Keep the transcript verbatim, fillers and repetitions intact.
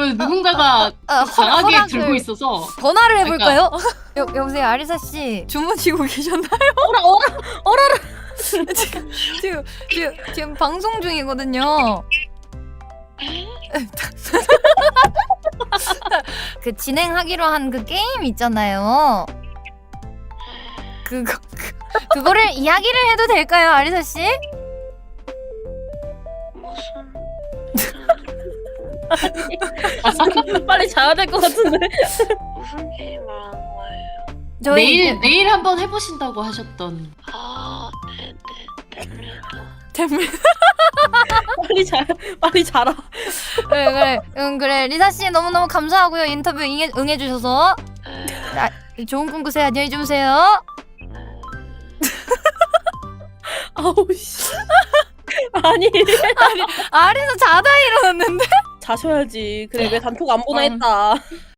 이거 누군가가 아, 강하게 허락을- 들고 있어서 전화를 해볼까요? 여, 여보세요 아리사 씨 주무시고 계셨나요? 어라 어라 어라라. 지금 지금 지금 지금 방송 중이거든요. 그 진행하기로 한 그 게임 있잖아요. 그거 그, 그거를 이야기를 해도 될까요, 아리사 씨? 무슨 빨리 자야 될 것 같은데. 무슨 게임 말하는 거예요? 저희 내일 내일 한번 해보신다고 하셨던. 아, 네네, 됩니다. 템을 빨리 자 빨리 자라. 그래 그래 응 그래 리사 씨 너무 너무 감사하고요 인터뷰 응해 응해 주셔서 아, 좋은 꿈 꾸세요 안녕히 주무세요. 아우 씨. 아니 아리사 자다 일어났는데. 자셔야지. 그래 왜 단톡 안 보나 어. 했다.